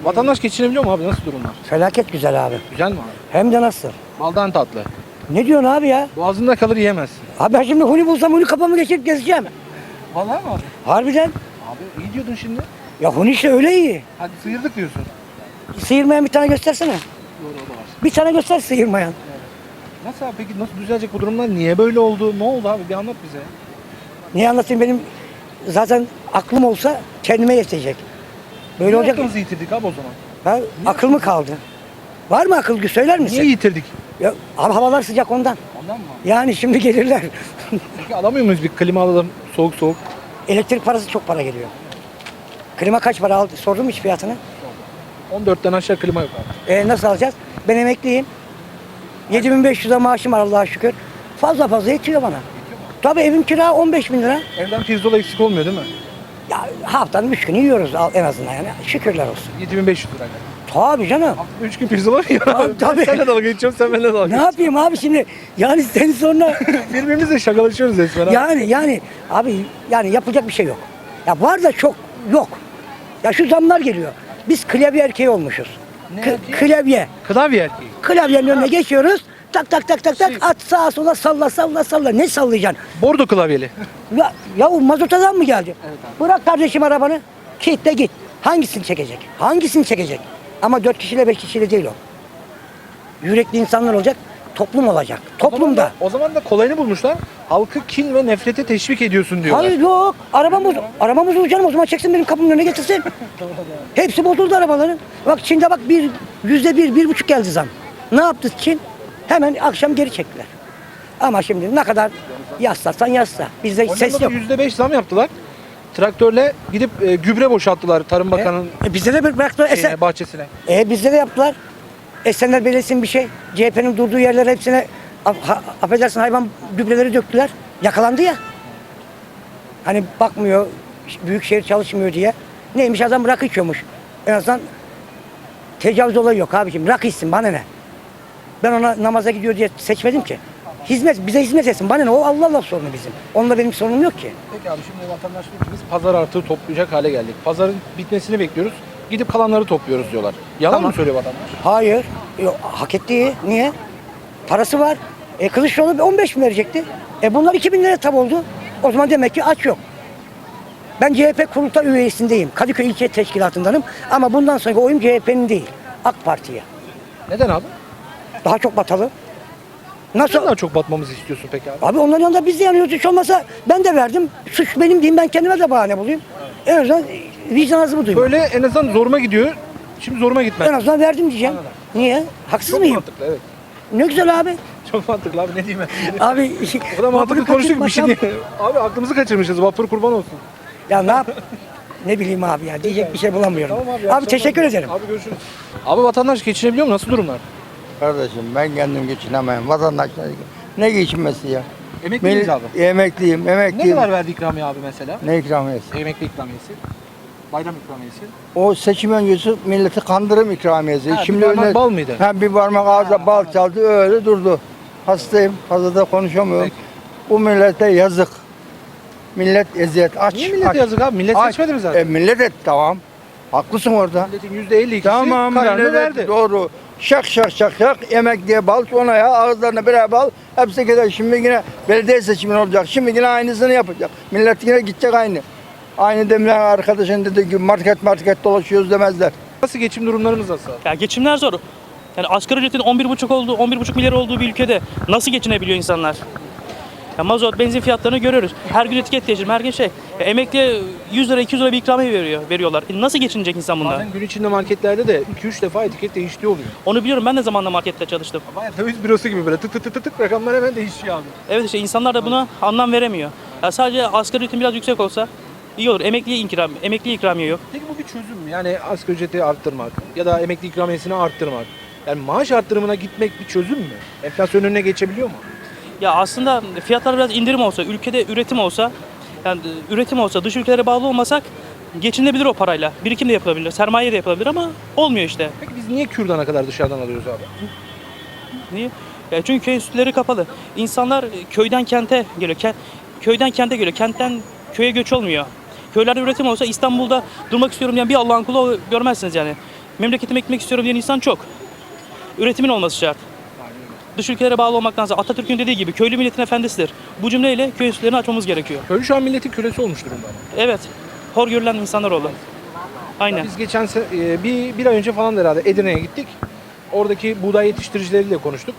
Vatandaş geçinebiliyor mu abi? Nasıl durumlar? Felaket güzel abi. Güzel mi abi? Hem de nasıl? Baldan tatlı. Ne diyorsun abi ya? Boğazında kalır yiyemezsin. Abi ben şimdi huni bulsam huni kafamı geçirip gezeceğim. Vallahi mi abi? Harbiden. Abi iyi diyordun şimdi. Ya huni işte öyle iyi. Hadi sıyırdık diyorsun. Sıyırmayan bir tane göstersene. Doğru o da var. Bir tane göster sıyırmayan. Nasıl abi peki nasıl düzelecek bu durumlar? Niye böyle oldu? Ne oldu abi? Bir anlat bize. Niye anlatayım, benim zaten aklım olsa kendime yetecek. Böyle Niye olacak. aklımızı yitirdik abi o zaman? Ha, akıl mı kaldı? Var mı akıl, söyler misin? Niye yitirdik? Ya, abi havalar sıcak ondan. Ondan mı abi? Yani şimdi gelirler. Peki alamıyor muyuz bir klima alalım soğuk soğuk? Elektrik parası çok para geliyor. Klima kaç para aldı? Sordun mu hiç fiyatını? 14'ten aşağı klima yok abi. Nasıl alacağız? Ben emekliyim. 7.500'e maaşım var Allah'a şükür. Fazla yetiyor bana. Tabii evim kira 15 bin lira. Evden pirzola eksik olmuyor değil mi? Ya haftanın 3 günü yiyoruz en azından yani. Şükürler olsun. 7500 lira. Tabii canım. 3 gün pirzola mı yiyor abi? Tabii. Senle dalga geçiyorum sen benimle dalga Ne geçiyorsun. yapayım abi şimdi? Yani seni sonra Birbirimizle şakalaşıyoruz resmen abi. yani abi yani yapacak bir şey yok. Ya var da çok yok. Ya şu zamlar geliyor. Biz klavye erkeği olmuşuz. Ne erkeği? Klavye. Klavye erkeği. Klavyenin önüne geçiyoruz. Tak tak tak tak tak Şey- at sağa sola salla. Ne sallayacaksın? Bordo klavyeli. Ya o mazotadan mı geldi? Bırak kardeşim arabanı. Kitle git. Hangisini çekecek? Hangisini çekecek? Ama 4 kişiyle 5 kişiyle değil o. Yürekli insanlar olacak. Toplum olacak. Toplumda. O zaman da kolayını bulmuşlar. Halkı kin ve nefrete teşvik ediyorsun diyorlar. Hayır yok. Arabam bozuldu canım. O zaman çeksin benim kapımın önüne getirsin. Hepsi bozuldu arabaların. Bak Çin'de bak %1,5 geldi zam. Ne yaptı Çin? Hemen akşam geri çektiler. Ama şimdi ne kadar yaslarsan yasla. Bizde ses Hollanda'da yok. %5 zam yaptılar. Traktörle gidip gübre boşalttılar Tarım Bakanı'nın Bizde de bıraktılar. bahçesine. Bizde de yaptılar. Esenler Belediyesi'nin bir şey. CHP'nin durduğu yerlere hepsine affedersin hayvan gübreleri döktüler. Yakalandı ya. Hani bakmıyor, büyükşehir çalışmıyor diye. Neymiş, adam rakı içiyormuş. En azından tecavüz olayı yok abiciğim. Rakı içsin, bana ne? Ben ona namaza gidiyor diye seçmedim ki. Bize hizmet etsin. Bana ne? O Allah sorunu bizim. Onunla benim sorunum yok ki. Peki abi şimdi vatandaş diyor ki biz pazar artığı toplayacak hale geldik. Pazarın bitmesini bekliyoruz. Gidip kalanları topluyoruz diyorlar. Yalan Tamam. mı söylüyor vatandaş? Hayır. Yok, hak ettiği. Niye? Parası var. Kılıçdaroğlu 15 bin verecekti. Bunlar 2 bin lira tab oldu. O zaman demek ki aç yok. Ben CHP kurultay üyesindeyim. Kadıköy İlçe Teşkilatı'ndanım. Ama bundan sonraki oyum CHP'nin değil. AK Parti'ye. Neden abi? Daha çok batalım. Nasıl? Nasıl? Daha çok batmamızı istiyorsun peki abi? Abi onların yanında biz de yanıyoruz. Hiç olmasa ben de verdim. Suç benim diyeyim, ben kendime de bahane bulayım. En azından vicdan azımı duyayım. Böyle en azından zoruma gidiyor. Şimdi zoruma gitmez. En azından verdim diyeceğim. Anladım. Niye? Haksız Çok mıyım? mantıklı evet. Ne güzel abi. Çok mantıklı abi ne diyeyim ben. Abi O da mantıklı vapuru konuştuk bir şey kaçırmasam- değil. Abi aklımızı kaçırmışız. Vapur kurban olsun. Ya ne yap? Ne bileyim abi ya. Diyecek bir şey bulamıyorum. Tamam abi. Abi teşekkür ederim. Abi görüşürüz. Abi vatandaş geçinebiliyor mu? Nasıl durumlar? Kardeşim ben kendim geçinemem. Vatandaşlar ne geçinmesi ya? Emekli miyiz abi? Emekliyim, Ne emekliyim. kadar verdi ikramiye abi mesela? Ne ikramiyesi? Emekli ikramiyesi. Bayram ikramiyesi. O seçim öncesi milleti kandırım ikramiyesi. Ha, bir parmak bal mıydı? Bir parmak ağza bal çaldı öyle durdu. Hastayım, fazla da konuşamıyorum. Peki. Bu millete yazık. Millet eziyet aç. Niye millete aç. yazık abi? Millet Aç. seçmedi mi zaten? Millet et tamam. Haklısın orada. Milletin %52'si Tamam kararını millet verdi. doğru. Şak emek diye bal sonra ya ağızlarına birer bal hepsi gider. Şimdi yine belediye seçimi olacak. Şimdi yine aynısını yapacak. Millet yine gidecek aynı. Aynı demilen arkadaşın dediği gibi market dolaşıyoruz demezler. Nasıl geçim durumlarımız nasıl? Ya geçimler zor. Yani asgari ücretin 11,5 milyar olduğu bir ülkede nasıl geçinebiliyor insanlar? Ya mazot, benzin fiyatlarını görüyoruz. Her gün etiket değiştirme, her gün şey. Ya emekliye 100 lira, 200 lira bir ikramiye veriyorlar. Nasıl geçinecek insan bunlar? Bazen gün içinde marketlerde de 2-3 defa etiket değiştiği oluyor. Onu biliyorum, ben de zamanla markette çalıştım. Bayağı döviz bürosu gibi böyle tık tık tık tık tık rakamlar hemen değişiyor abi. Evet işte insanlar da buna anlam veremiyor. Ya sadece asgari ücretin biraz yüksek olsa iyi olur. Emekli ikramiye yok. Peki bu bir çözüm mü? Yani asgari ücreti arttırmak ya da emekli ikramiyesini arttırmak. Yani maaş arttırımına gitmek bir çözüm mü? Enflasyon önüne geçebiliyor mu? Ya aslında fiyatlar biraz indirim olsa, ülkede üretim olsa, yani üretim olsa, dış ülkelere bağlı olmasak geçinebilir o parayla. Birikim de yapılabilir, sermaye de yapılabilir ama olmuyor işte. Peki biz niye Kürdan'a kadar dışarıdan alıyoruz abi? Niye? Ya çünkü köy enstitüleri kapalı. İnsanlar köyden kente geliyor. Köyden kente geliyor. Kentten köye göç olmuyor. Köylerde üretim olsa İstanbul'da durmak istiyorum diyen bir Allah'ın kulu görmezsiniz yani. Memleketime gitmek istiyorum diyen insan çok. Üretimin olması şart. Dış ülkelere bağlı olmaktansa Atatürk'ün dediği gibi köylü milletin efendisidir. Bu cümleyle köy enstitülerini açmamız gerekiyor. Köylü şu an milletin kölesi olmuş durumda. Evet. Hor görülen insanlar oldu. Aynen. Biz geçen bir ay önce falan herhalde Edirne'ye gittik. Oradaki buğday yetiştiricileriyle konuştuk.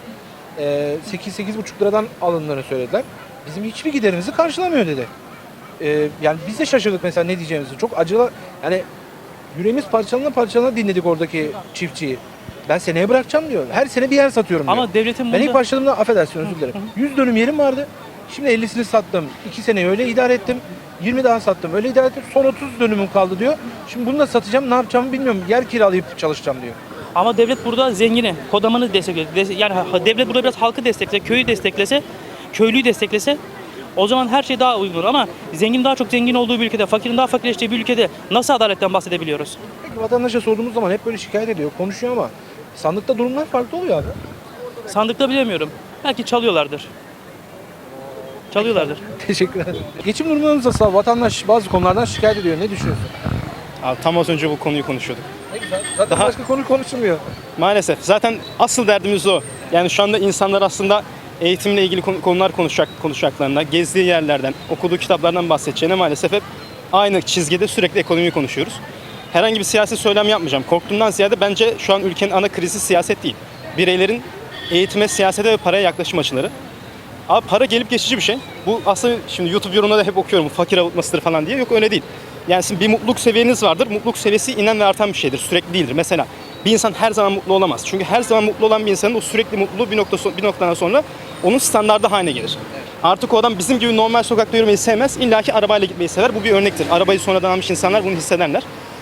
8-8,5 liradan alındığını söylediler. Bizim hiçbir giderimizi karşılamıyor dedi. Yani biz de şaşırdık mesela ne diyeceğimizi. Çok acılı, yani yüreğimiz parçalana dinledik oradaki çiftçiyi. Ben seneye bırakacağım diyor. Her sene bir yer satıyorum diyor. Ama devletin Ben ilk bunda... başladığımda affedersin özür dilerim. 100 dönüm yerim vardı. Şimdi 50'sini sattım. 2 sene öyle idare ettim. 20 daha sattım. Öyle idare ettim. Son 30 dönümüm kaldı diyor. Şimdi bunu da satacağım. Ne yapacağımı bilmiyorum. Yer kiralayıp çalışacağım diyor. Ama devlet burada zengini, kodamanı desteklese, yani devlet burada biraz halkı desteklese, köyü desteklese, köylüyü desteklese o zaman her şey daha uygun olur. Ama zengin daha çok zengin olduğu bir ülkede, fakirin daha fakirleştiği bir ülkede nasıl adaletten bahsedebiliyoruz? Peki vatandaşa sorduğumuz zaman hep böyle şikayet ediyor, konuşuyor ama sandıkta durumlar farklı oluyor abi. Sandıkta bilemiyorum. Belki çalıyorlardır. Çalıyorlardır. Teşekkür ederim. Geçim durumlarınız nasıl? Vatandaş bazı konulardan şikayet ediyor. Ne düşünüyorsun? Abi tam az önce bu konuyu konuşuyorduk. Ne güzel. Zaten Daha- başka konu konuşulmuyor. Maalesef. Zaten asıl derdimiz o. Yani şu anda insanlar aslında eğitimle ilgili konular konuşacaklarında, gezdiği yerlerden, okuduğu kitaplardan bahsedeceğine maalesef hep aynı çizgide sürekli ekonomiyi konuşuyoruz. Herhangi bir siyasi söylem yapmayacağım. Korktuğumdan ziyade bence şu an ülkenin ana krizi siyaset değil. Bireylerin eğitime, siyasete ve paraya yaklaşım açıları. Abi para gelip geçici bir şey. Bu aslında şimdi YouTube yorumlarda hep okuyorum fakir avutmasıdır falan diye. Yok öyle değil. Yani sizin bir mutluluk seviyeniz vardır. Mutluluk seviyesi inen ve artan bir şeydir. Sürekli değildir. Mesela bir insan her zaman mutlu olamaz. Çünkü her zaman mutlu olan bir insanın o sürekli mutluluğu bir noktadan sonra onun standardı haline gelir. Artık o adam bizim gibi normal sokakta yürümeyi sevmez. İlla ki arabayla gitmeyi sever. Bu bir örnektir. Arabayı sonradan almış insanlar bunu hissederler.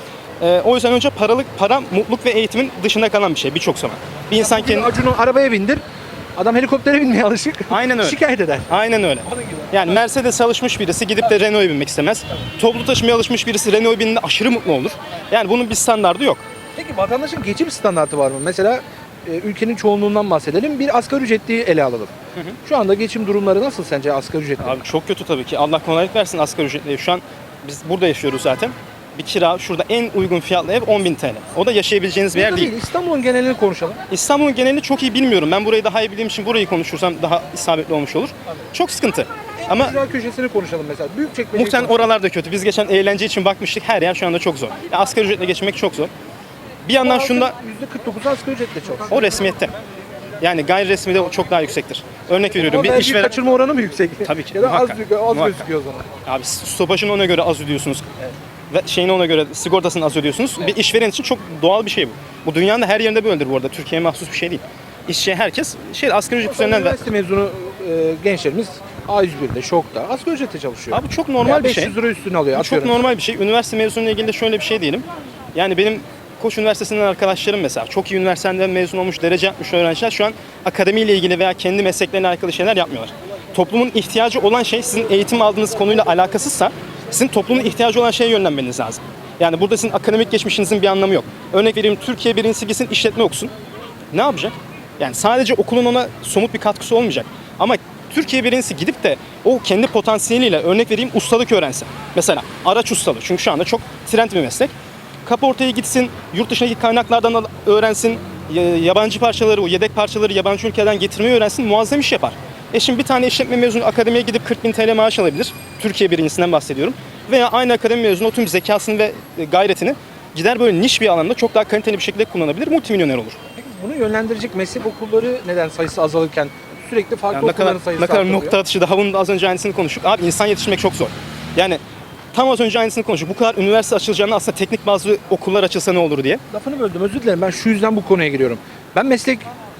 O yüzden önce para, mutluluk ve eğitimin dışında kalan bir şey birçok zaman. Bir insan kendi... Acun'u arabaya bindir. Adam helikoptere binmeye alışık. Aynen öyle. Şikayet eder. Aynen öyle. Yani Mercedes alışmış birisi gidip de Renault'a binmek istemez. Toplu taşımaya alışmış birisi Renault'a bindiğinde aşırı mutlu olur. Yani bunun bir standardı yok. Peki vatandaşın geçim standartı var mı? Mesela ülkenin çoğunluğundan bahsedelim. Bir asgari ücretliyi ele alalım. Şu anda geçim durumları nasıl sence asgari ücretli? Abi çok kötü tabii ki. Allah kolaylık versin asgari ücretli. Şu an biz burada yaşıyoruz zaten. Bir kira şurada en uygun fiyatlı ev 10.000 TL. O da yaşayabileceğiniz bir yer Burada değil. İstanbul'un genelini konuşalım. İstanbul'un genelini çok iyi bilmiyorum. Ben burayı daha iyi bildiğim için burayı konuşursam daha isabetli olmuş olur. Çok sıkıntı. Ama Güzel köşesini konuşalım mesela. Büyükçekmece. muhtemelen oralarda kötü. Biz geçen eğlence için bakmıştık. Her yer şu anda çok zor. Yani asgari ücretle geçinmek çok zor. Bir yandan şunda %49 asgari ücretle çok. o resmiyette. Yani gayri resmi de çok daha yüksektir. Örnek veriyorum. Ama Bir vergi işveren... kaçırma oranı mı yüksek? Tabii ki, Ya da az, muhakkak. az Muhakkak. gözüküyor o zaman. Abi stopajını ona göre az ödüyorsunuz. Ve şeyini ona göre sigortasını az ödüyorsunuz. Bir işveren için çok doğal bir şey bu. Bu dünyanın da her yerinde böyledir bu arada. Türkiye'ye mahsus bir şey değil. İşçi herkes asgari ücret üzerinden ver. Üniversite mezunu gençlerimiz A101'de, ŞOK'ta asgari ücretle çalışıyor. Abi çok normal bir şey. 500 lira üstüne alıyor. Bu çok atıyorum. normal bir şey. Üniversite mezunuyla ilgili de şöyle bir şey diyelim. Yani benim Koç Üniversitesi'nden arkadaşlarım mesela çok iyi üniversiteden mezun olmuş, derece yapmış öğrenciler şu an akademiyle ilgili veya kendi meslekleriyle alakalı şeyler yapmıyorlar. Toplumun ihtiyacı olan şey sizin eğitim aldığınız konuyla alakasızsa sizin toplumun ihtiyacı olan şeye yönlenmeniz lazım. Yani burada sizin akademik geçmişinizin bir anlamı yok. Örnek vereyim Türkiye birincisi gitsin işletme okusun. Ne yapacak? Yani sadece okulun ona somut bir katkısı olmayacak. Ama Türkiye birincisi gidip de o kendi potansiyeliyle örnek vereyim ustalık öğrensin. Mesela araç ustalığı. Çünkü şu anda çok trend bir meslek. Kaportaya gitsin, yurt dışındaki kaynaklardan öğrensin, yabancı parçaları, o yedek parçaları yabancı ülkeden getirmeyi öğrensin, muazzam iş yapar. Şimdi bir tane işletme mezunu akademiye gidip 40.000 TL maaş alabilir. Türkiye birincisinden bahsediyorum. Veya aynı akademi mezunu o tüm zekasını ve gayretini gider böyle niş bir alanda çok daha kaliteli bir şekilde kullanabilir, multimilyoner olur. Peki bunu yönlendirecek meslek okulları neden sayısı azalırken sürekli farklı Yani okulların sayısı ne kadar artıyor? nokta atışı daha bunun da az önce aynısını konuştuk. Abi insan yetiştirmek çok zor. Yani tam az önce aynısını konuştuk. Bu kadar üniversite açılacağını aslında teknik bazı okullar açılsa ne olur diye. Lafını böldüm özür dilerim. Ben şu yüzden bu konuya giriyorum. Ben meslek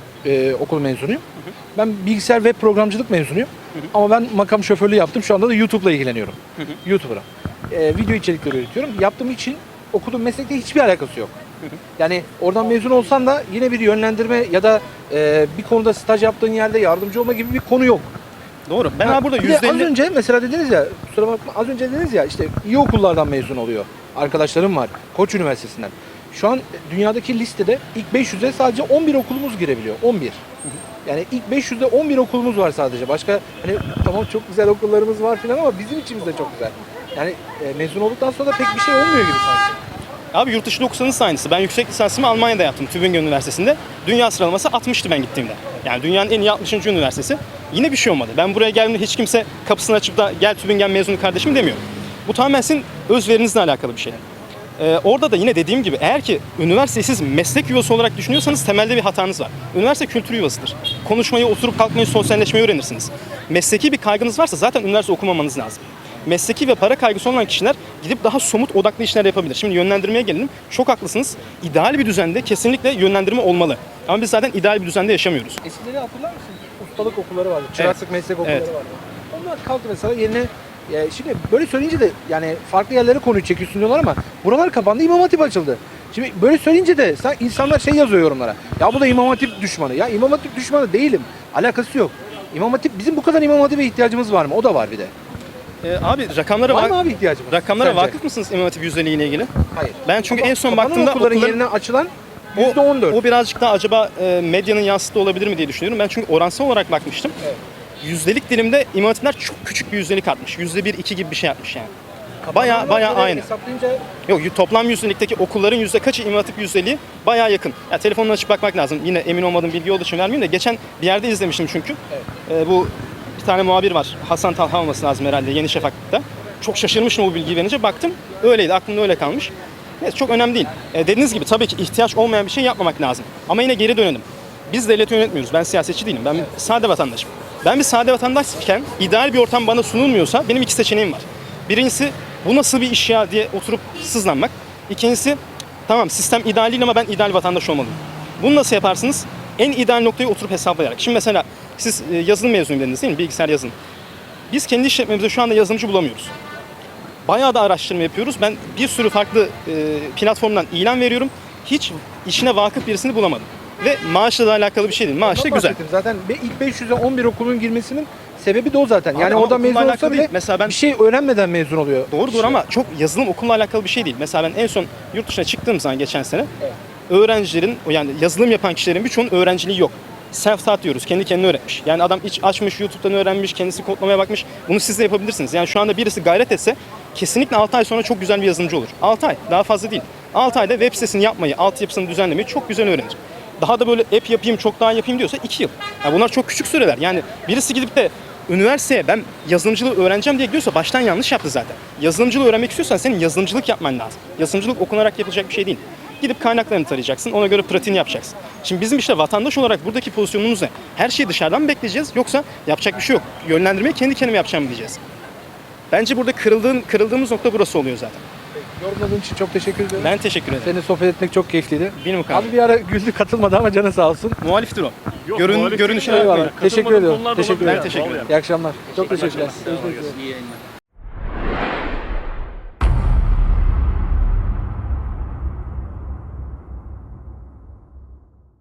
okul mezunuyum. Ben bilgisayar web programcılık mezunuyum. Ama ben makam şoförlüğü yaptım. Şu anda da YouTube'la ilgileniyorum. YouTuber'a. Video içerikleri üretiyorum. Yaptığım için okuduğum meslekte hiçbir alakası yok. Yani oradan mezun olsan da yine bir yönlendirme ya da bir konuda staj yaptığın yerde yardımcı olma gibi bir konu yok. Doğru. Ben abi burada Bir de az %50... önce mesela dediniz ya, kusura bakma, az önce dediniz ya işte iyi okullardan mezun oluyor. Arkadaşlarım var. Koç Üniversitesi'nden. Şu an dünyadaki listede ilk 500'e sadece 11 okulumuz girebiliyor. 11. Yani ilk 500'de 11 okulumuz var sadece. Başka hani tamam çok güzel okullarımız var filan ama bizim içimizde çok güzel. Yani mezun olduktan sonra da pek bir şey olmuyor gibi sanki. Abi yurt dışında okusanız da aynısı. Ben yüksek lisansımı Almanya'da yaptım, Tübingen Üniversitesi'nde. Dünya sıralaması 60'tı ben gittiğimde. Yani dünyanın en iyi 60. üniversitesi. Yine bir şey olmadı. Ben buraya geldiğimde hiç kimse kapısını açıp da gel Tübingen mezunu kardeşim demiyor. Bu tamamen sizin özverinizle alakalı bir şey. Orada da yine dediğim gibi eğer ki üniversiteyi siz meslek yuvası olarak düşünüyorsanız temelde bir hatanız var. Üniversite kültür yuvasıdır. Konuşmayı, oturup kalkmayı, sosyalleşmeyi öğrenirsiniz. Mesleki bir kaygınız varsa zaten üniversite okumamanız lazım. Mesleki ve para kaygısı olan kişiler gidip daha somut odaklı işler yapabilir. Şimdi yönlendirmeye gelelim. Çok haklısınız. İdeal bir düzende kesinlikle yönlendirme olmalı. Ama biz zaten ideal bir düzende yaşamıyoruz. Eskileri hatırlar mısın? Ustalık okulları vardı. Çıraklık meslek okulları Evet. vardı. Onlar kalktı mesela yerine şimdi böyle söyleyince de yani farklı yerlere konuyu çekiyorsun diyorlar ama buralar kapandı, İmam Hatip açıldı. Şimdi böyle söyleyince de insanlar şey yazıyor yorumlara. Ya bu da İmam Hatip düşmanı. Ya İmam Hatip düşmanı değilim. Alakası yok. İmam Hatip, bizim bu kadar İmam Hatip'e ihtiyacımız var mı? O da var bir de. Abi rakamlara Var mı abi ihtiyacımız? rakamlara Sence? vakıf mısınız İmam Hatip yüzdeliği ile ilgili? Hayır. Ben çünkü en son Kapanan baktığımda okulların okulların- yerine açılan %14. O birazcık daha acaba medyanın yansıttığı olabilir mi diye düşünüyorum. Ben çünkü oransal olarak bakmıştım. Evet. Yüzdelik dilimde İmam Hatipler çok küçük bir yüzdelik atmış. %1-2 gibi bir şey atmış yani. Bayağı Kapananlar aynı. hesaplayınca Yok toplam yüzdelikteki okulların yüzde kaçı İmam Hatip yüzdeliği bayağı yakın. Ya telefonla açıp bakmak lazım. Yine emin olmadığım bilgi olduğu için vermeyeyim de geçen bir yerde izlemiştim çünkü. Bu bir tane muhabir var. Hasan Talha olması lazım herhalde Yeni Şafak'ta. Çok şaşırmışım o bilgiyi verince. Baktım öyleydi. Aklımda öyle kalmış. Neyse çok önemli değil. Dediğiniz gibi tabii ki ihtiyaç olmayan bir şey yapmamak lazım. Ama yine geri dönelim. Biz devleti yönetmiyoruz. Ben siyasetçi değilim. Ben sade vatandaşım. Ben bir sade vatandaşken ideal bir ortam bana sunulmuyorsa benim iki seçeneğim var. Birincisi bu nasıl bir iş ya diye oturup sızlanmak. İkincisi tamam sistem ideal değil ama ben ideal vatandaş olmalıyım. Bunu nasıl yaparsınız? En ideal noktayı oturup hesaplayarak. Şimdi mesela siz yazılım mezunu dediniz değil mi? Bilgisayar yazılım. Biz kendi işletmemizde şu anda yazılımcı bulamıyoruz. Bayağı da araştırma yapıyoruz. Ben bir sürü farklı platformdan ilan veriyorum. Hiç işine vakıf birisini bulamadım. Ve maaşla da alakalı bir şey değil. Maaş da ondan güzel. bahsettim. Zaten ilk 500'e 11 okulun girmesinin sebebi de o zaten. Abi Yani ama orada okulla mezun olsa alakalı bile değil. Mesela ben- bir şey öğrenmeden mezun oluyor. Doğrudur ama çok yazılım okulla alakalı bir şey değil. Mesela ben en son yurt dışına çıktığım zaman geçen sene öğrencilerin yani yazılım yapan kişilerin birçoğunun öğrenciliği yok. Self-taught diyoruz. Kendi kendine öğretmiş. Yani adam hiç açmış, YouTube'dan öğrenmiş, kendisi kodlamaya bakmış. Bunu siz de yapabilirsiniz. Yani şu anda birisi gayret etse kesinlikle 6 ay sonra çok güzel bir yazılımcı olur. 6 ay, daha fazla değil. 6 ayda web sitesini yapmayı, altyapısını düzenlemeyi çok güzel öğrenir. Daha da böyle app yapayım, çok daha yapayım diyorsa 2 yıl. Yani bunlar çok küçük süreler. Yani birisi gidip de üniversiteye ben yazılımcılığı öğreneceğim diye gidiyorsa baştan yanlış yaptı zaten. Yazılımcılığı öğrenmek istiyorsan senin yazılımcılık yapman lazım. Yazılımcılık okunarak yapılacak bir şey değil. Gidip kaynaklarını tarayacaksın, ona göre pratiğini yapacaksın. Şimdi bizim işte vatandaş olarak buradaki pozisyonumuz ne? Her şeyi dışarıdan mı bekleyeceğiz yoksa yapacak bir şey yok. Yönlendirmeyi kendi kendime yapacağım diyeceğiz. Bence burada kırıldığımız nokta burası oluyor zaten. Yorumladığın için çok teşekkür ederim. Ben teşekkür ederim. Seninle sohbet etmek çok keyifliydi. Benim o kadar. Abi bir ara güldü, katılmadı ama canı sağ olsun. Muhaliftir o. Yok, Görünüşe muhalif değil. bakmayın. Eyvallah. Teşekkür ediyorum. konular da Teşekkür olabilir. ederim. Ben teşekkür ederim. İyi akşamlar. Çok teşekkürler. Görüşmek üzere. İyi yayınlar.